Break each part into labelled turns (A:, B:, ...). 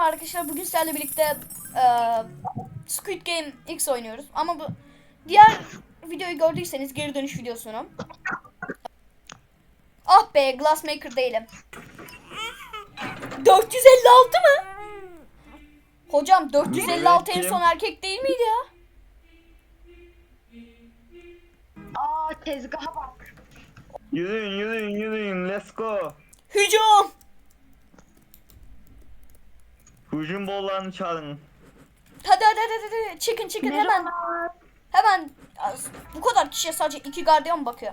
A: arkadaşlar, bugün sizlerle birlikte Squid Game X oynuyoruz. Ama bu diğer videoyu gördüyseniz, geri dönüş videosunu. Ah be, Glassmaker değilim. 456 mı? Hocam 456 en son erkek değil miydi ya?
B: Aa, tezgaha bak.
C: Yürüyün, let's go.
A: Hücum!
C: Hücum bollarını çağırın.
A: Hadi. Çıkın hemen. Hemen. Bu kadar kişiye sadece 2 gardiyan bakıyor.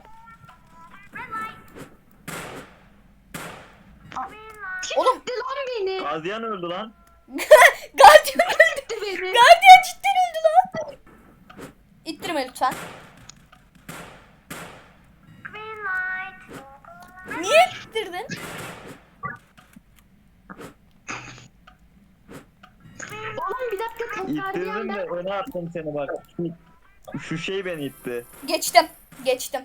A: Oğlum.
B: Gitti lan beni.
C: Gardiyan öldü lan.
A: Gardiyan öldü.
B: Gitti beni.
A: Gardiyan cidden öldü lan. İttirme lütfen. Niye ittirdin?
B: Oğlum bir dakika, tekrar
C: İttirdim de
B: ben.
C: öne attım seni bak. Şu şey beni itti.
A: Geçtim.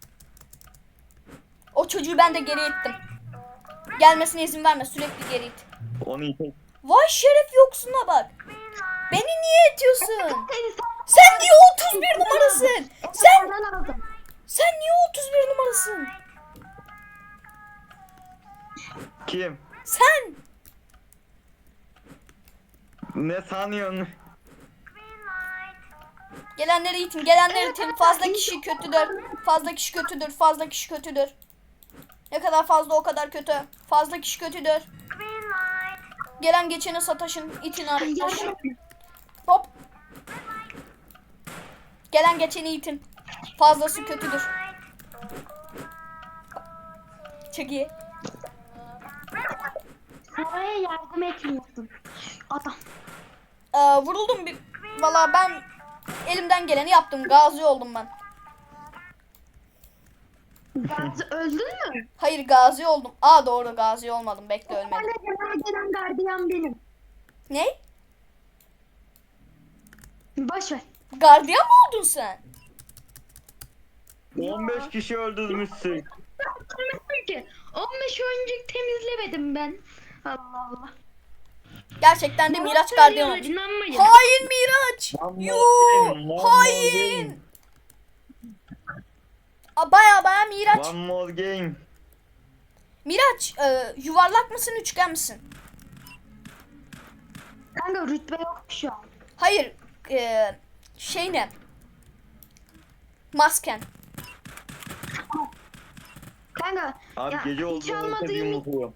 A: O çocuğu ben de geri ittim. Gelmesine izin verme, sürekli geri it.
C: Onu itek.
A: Vay şeref yoksuna bak. Beni niye itiyorsun?
B: Seni
A: Sen niye 31 numarasın? Sen niye 31 numarasın?
C: Kim?
A: Sen.
C: Ne sanıyorsun?
A: Gelenleri itin. Fazla kişi kötüdür. Ne kadar fazla o kadar kötü. Fazla kişi kötüdür. Gelen geçeni sataşın. İtin arkadaş. Hop. Gelen geçeni itin. Fazlası kötüdür. Çok iyi.
B: Saraya yardım etmiyorsun. Adam.
A: Vuruldum bir. Valla ben elimden geleni yaptım. Gazi oldum ben.
B: Gazi öldün mü?
A: Hayır, gazi oldum. Doğru, gazi olmadım. Bekle, ölmedim.
B: Bana gelen gardiyan benim.
A: Ne?
B: Boş ver.
A: Gardiyan mı oldun sen?
C: 15 kişi öldürmüşsün.
B: Temizlemedim ki. 15 oyuncuk temizlemedim ben. Allah Allah.
A: Gerçekten de Miraç gardiyan olmuş.
B: İnanmayın.
A: Hain Miraç.
C: One
A: Yoo,
C: more game, one more
A: hain. Baya Miraç.
C: One more game.
A: Miraç, yuvarlak mısın, üçgen misin?
B: Kanka rütbe yok şu an.
A: Hayır, şey ne? Masken.
B: Kanka
C: Abi
B: ya,
C: gece
B: hiç
C: oldu. Herkes
B: almadığım
C: yumrukluyor.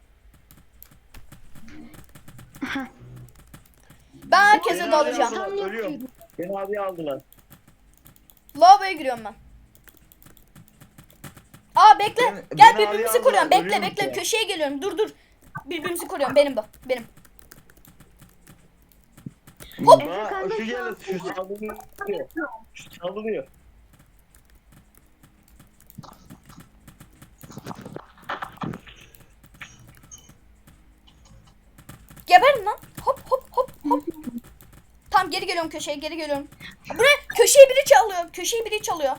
A: Ben herkese
C: Beni
A: dalacağım.
C: aldılar, ölüyorum. Beni abi aldılar.
A: Lavaboya giriyorum ben. Bekle.
C: Beni
A: Gel,
C: abi
A: birbirimizi
C: aldılar,
A: koruyorum. Bekle.
C: ölüyorum ki.
A: Köşeye geliyorum. Dur. Birbirimizi koruyorum. Benim bu. Benim.
B: Hop.
C: Şu gelir, şu saldırıyor. Şu saldırıyor.
A: Geberin lan. Hop. Tam geri geliyorum köşeye. Bu ne? Köşeyi biri çalıyor.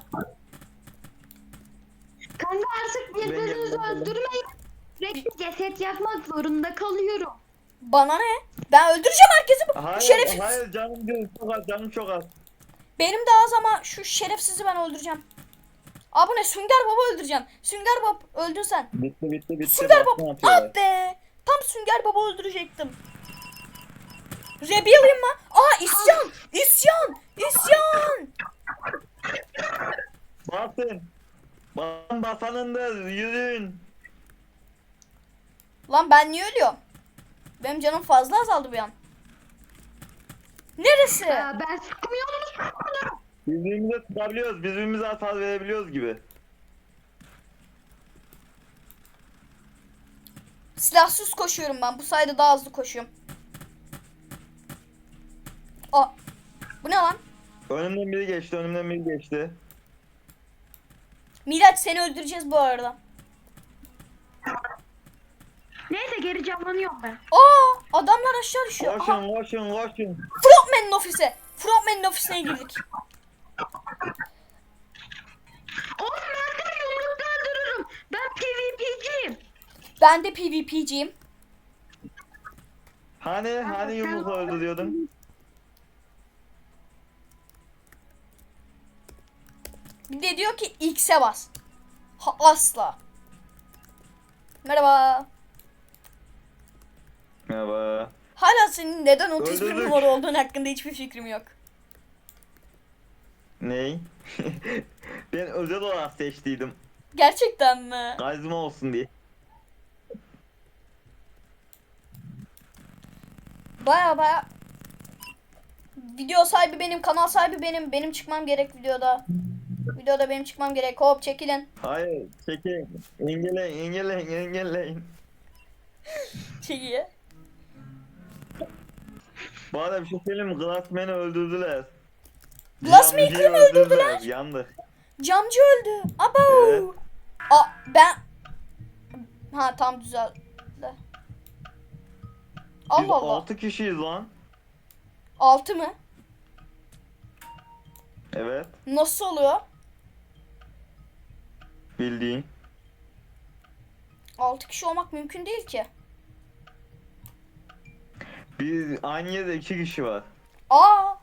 B: Kanka artık birbirinizi
C: Ben geldim.
B: öldürmeyin. Sürekli ceset yapmak zorunda kalıyorum.
A: Bana ne? Ben öldüreceğim herkesi.
C: Hayır,
A: Şerefsiz.
C: hayır canım çok az.
A: Benim de az ama şu şerefsizi ben öldüreceğim. Bu ne? Sünger Baba öldüreceğim. Sünger Baba öldün sen.
C: Bitti.
A: Sünger
C: Bak ne
A: Baba.
C: yapıyorlar.
A: Be. Tam Sünger Baba öldürecektim. Rebellion mı? İsyan.
C: Basın basanındır, yürüyün.
A: Lan ben niye ölüyorum? Benim canım fazla azaldı bir an. Neresi?
B: Ben sıkmıyorum.
C: Birbirimize tutabiliyoruz, birbirimize hasar verebiliyoruz gibi.
A: Silahsız koşuyorum ben. Bu sayede daha hızlı koşuyorum. Bu ne lan?
C: Önümden biri geçti.
A: Miraç, seni öldüreceğiz bu arada.
B: Neyse, geri canlanıyorum ben.
A: Adamlar aşağı düşüyor. Aha,
C: Koşun.
A: Frontman'ın ofisine girdik.
B: Oğlum ben seni yumrukla öldürürüm. Ben PvP'ciyim.
A: Ben de PvP'ciyim.
C: Hani yumrukla öldürüyordun?
A: Bir de diyor ki X'e bas. Asla. Merhaba.
C: Merhaba.
A: Hala senin neden 31
C: Öldürdük.
A: numara olduğun hakkında hiçbir fikrim yok.
C: Ney? Ben özel olarak seçtiydim.
A: Gerçekten mi?
C: Karizma olsun diye.
A: Baya video sahibi benim, kanal sahibi benim. Benim çıkmam gerek videoda. Videoda benim çıkmam gerek. Hop çekilin.
C: Hayır, çekin. Engelleyin.
A: Çekiye.
C: Bu arada bir şey söyleyeyim mi? Glassman'ı öldürdüler.
A: Glassmaker'ı
C: Camcıyı
A: mı öldürdüler?
C: Yandık.
A: Camcı öldü. Abo.
C: Evet.
A: Aa ben. Ha tam düzeldi.
C: Biz
A: Allah Allah.
C: 6 kişiyiz lan.
A: 6 mı?
C: Evet.
A: Nasıl oluyor?
C: Bildiğin.
A: 6 kişi olmak mümkün değil ki.
C: Biz aynı yerde 2 kişi var.
A: Aa.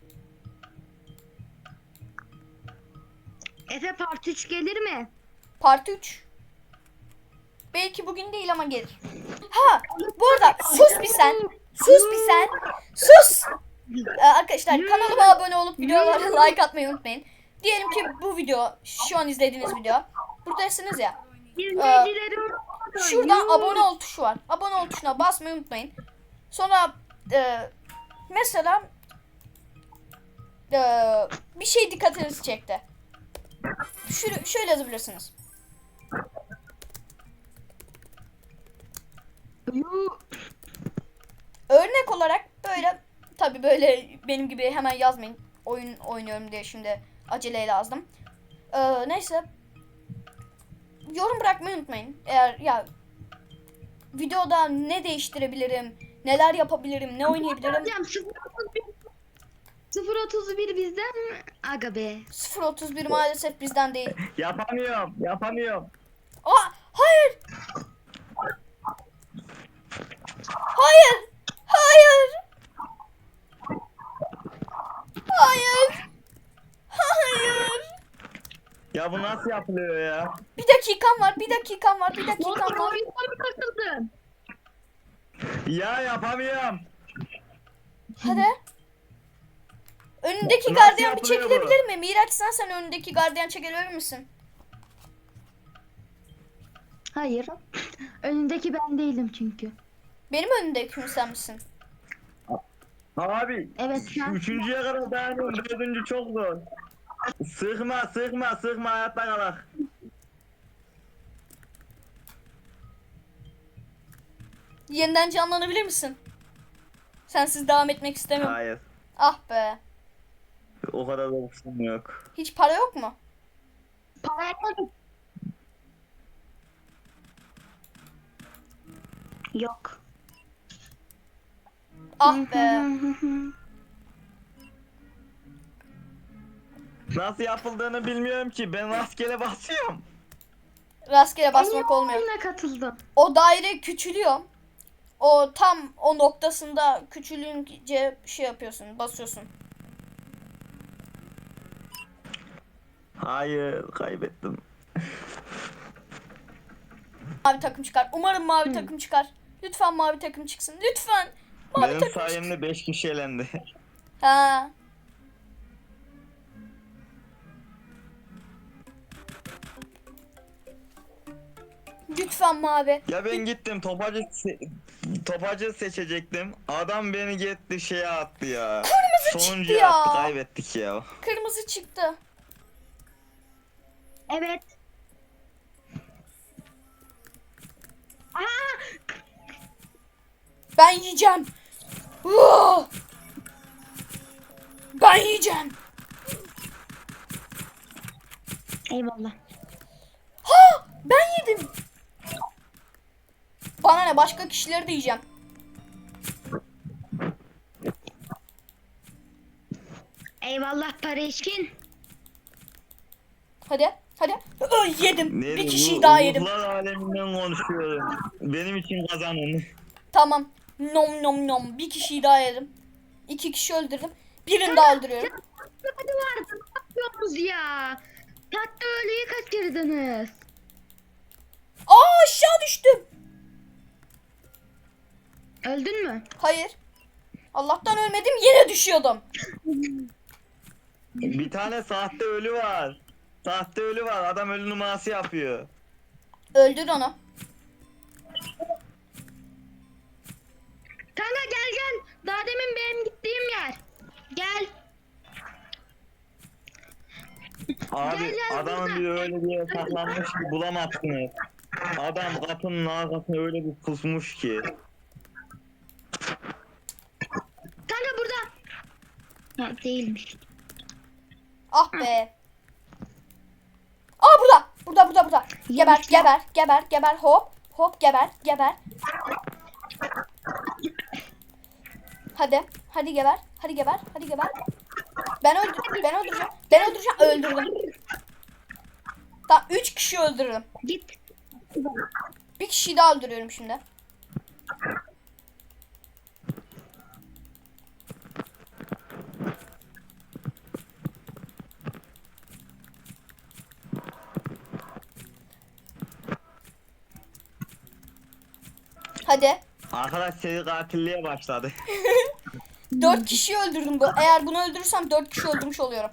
B: Efe part 3 gelir mi?
A: Part 3. Belki bugün değil ama gelir. Ha, bu arada sus bir sen. Sus bir sen. Sus. Arkadaşlar kanalıma abone olup videolara like atmayı unutmayın. Diyelim ki bu video, şu an izlediğiniz video. Buradasınız ya.
B: İzleyicileri
A: Şuradan abone ol tuşu var. Abone ol tuşuna basmayı unutmayın. Sonra mesela bir şey dikkatinizi çekti. Şöyle yazabilirsiniz. Örnek olarak böyle, tabi böyle benim gibi hemen yazmayın. Oyun oynuyorum diye şimdi aceleyle yazdım. Neyse. Yorum bırakmayı unutmayın. Eğer ya videoda ne değiştirebilirim, neler yapabilirim, ne oynayabilirim.
B: Hocam 0.31 bizden mi? Aga be.
A: 0.31 maalesef bizden değil.
C: Yapamıyorum.
A: Aa, hayır. Hayır. Hayır. Hayır. Hayır.
C: Ya bu nasıl yapılıyor ya?
A: Bir dakikam var. Bir dakikam var. Bir dakikam var.
B: Oyundan mı takıldın?
C: Ya yapamıyorum.
A: Hadi. Önündeki
C: Nasıl
A: gardiyan bir
C: yapılıyor bu?
A: çekilebilir mi? Miraç sen önündeki gardiyan çekilebilir misin?
B: Hayır. Önündeki ben değilim çünkü.
A: Benim önümdeki mi sen misin?
C: Abi.
B: Evet sen.
C: Üçüncüye kadar dayanıyorum. Dördüncü çok zor. Sıkma hayatta kalak.
A: Yeniden canlanabilir misin? Sensiz devam etmek istemiyorum.
C: Hayır.
A: Ah be.
C: O kadar da olsun yok.
A: Hiç para yok mu?
B: Para yapmadım. Yok.
A: Ah be.
C: Nasıl yapıldığını bilmiyorum ki. Ben rastgele basıyorum.
A: Rastgele basmak olmuyor.
B: Oyuna katıldım.
A: O daire küçülüyor. O tam o noktasında küçülünce şey yapıyorsun, basıyorsun.
C: Hayır, kaybettim.
A: Mavi takım çıkar. Umarım mavi takım çıkar. Lütfen mavi takım çıksın. Lütfen. Mavi
C: Benim
A: takım çıksın.
C: sayemde 5 kişi elendi.
A: Ha. Lütfen mavi.
C: Ya ben gittim topacı seçecektim. Adam beni gitti şeye attı ya.
A: Kırmızı
C: Sonuncuya
A: çıktı ya.
C: attı, kaybettik ya.
A: Kırmızı çıktı.
B: Evet.
A: Ben yiyeceğim. Oh! Ben yiyeceğim.
B: Eyvallah.
A: Ha! Ben yedim. Bana ne, başka kişileri de yiyeceğim.
B: Eyvallah Pareşkin.
A: Hadi. Hadi. Yedim.
C: Ne
A: Bir kişiyi
C: bu-
A: daha yedim.
C: Ruhlar aleminden konuşuyorum. Benim için kazanın.
A: Tamam. Nom nom nom. Bir kişiyi daha yedim. 2 kişi öldürdüm. Birini daha öldürüyorum.
B: Hadi vardı. Ne yapıyorsunuz ya? Tatlı ölüyü kaçırdınız.
A: Aa, aşağı düştüm.
B: Öldün mü?
A: Hayır. Allah'tan ölmedim, yine düşüyordum.
C: Bir tane sahte ölü var. Sahte ölü var. Adam ölü numarası yapıyor.
A: Öldür onu.
B: Kanka gel gel. Daha demin benim gittiğim yer. Gel.
C: Abi
B: Gel, gel
C: adamın
B: burada.
C: bir öyle bir yere saklanmış ki bulamazsınız. Adam kapının arkasına öyle bir pusmuş ki.
B: Kanka burada. Ha, değilmiş.
A: Ah be. Aa, burada. Burada. Geber,
B: Yemiş ya.
A: geber. Hop. Hop, geber. Hadi geber. Ben öldüreceğim. Öldürdüm. Tamam, 3 kişi öldürdüm.
B: Git.
A: Bir kişiyi daha öldürüyorum şimdi. Hadi.
C: Arkadaş seri katilliğe başladı.
A: 4 kişiyi öldürdüm bu. Eğer bunu öldürürsem 4 kişi öldürmüş oluyorum.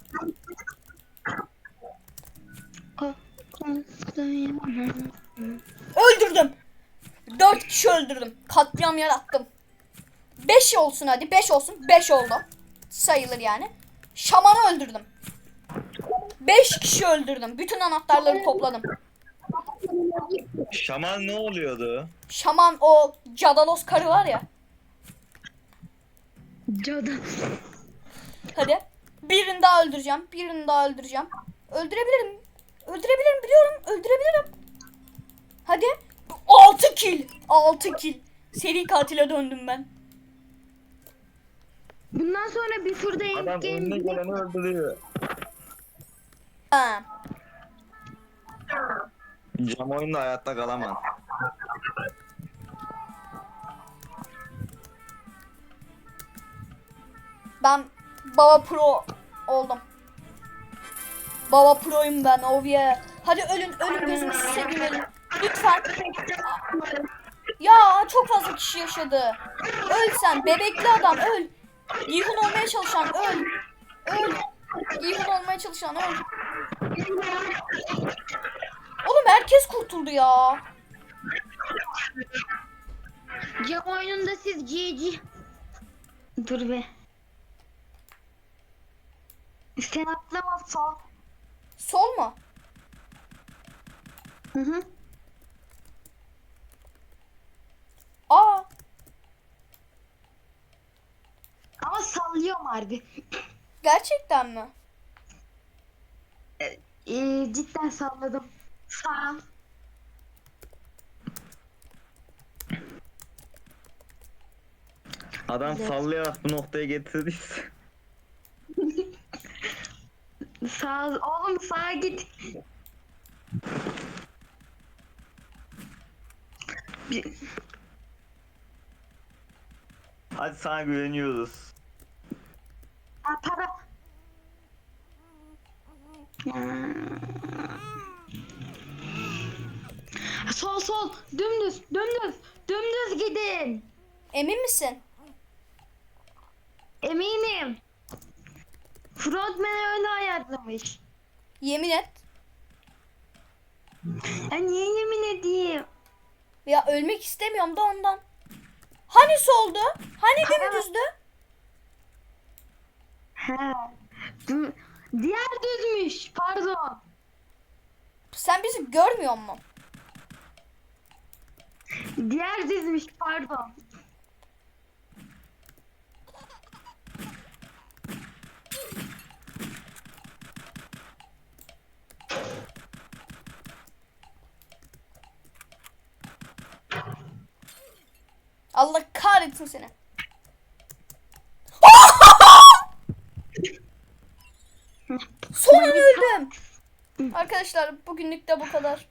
A: Öldürdüm. 4 kişi öldürdüm. Katliam yarattım. 5 olsun hadi. 5 olsun. 5 oldu. Sayılır yani. Şamanı öldürdüm. 5 kişi öldürdüm. Bütün anahtarları topladım.
C: Şaman ne oluyordu?
A: Şaman, o Cadalos karı var ya.
B: Cadı.
A: Hadi. Birini daha öldüreceğim. Öldürebilirim. Biliyorum. Öldürebilirim. Hadi. 6 kill. 6 kill. Seri katile döndüm ben.
B: Bundan sonra bir turda
C: Adam önüne geleni öldürüyor.
A: Ha.
C: Cam oyunda hayatta kalamaz.
A: Ben Baba Pro oldum. Baba Pro'yum ben. Oh yeah. Hadi ölün gözünü seveyim, ölün. Lütfen. Ya çok fazla kişi yaşadı. Öl sen bebekli adam, öl. Yihun olmaya çalışan öl. Yihun olmaya çalışan öl. Oğlum herkes kurtuldu ya.
B: Cam oyununda siz GG. Dur be. Sen atlama sol.
A: Sol mu?
B: Hı.
A: Aa.
B: Ama sallıyorum harbi.
A: Gerçekten mi?
B: Cidden salladım. Sağ.
C: Adam
B: Evet.
C: sallayarak bu noktaya getirdiyse.
B: Sağ oğlum sağa git.
C: Hadi sana güveniyoruz.
B: Para. Sol dümdüz gidin.
A: Emin misin?
B: Eminim. Frontman öyle ayarlamış.
A: Yemin et.
B: Ya niye yemin edeyim?
A: Ya ölmek istemiyorum da ondan. Hani soldu? Hani dümdüzdü?
B: He. Diğer düzmüş. Pardon.
A: Sen bizi görmüyor musun?
B: Diğer düzmüş. Pardon.
A: Allah kahretsin seni. Son an öldüm. Arkadaşlar bugünlük de bu kadar.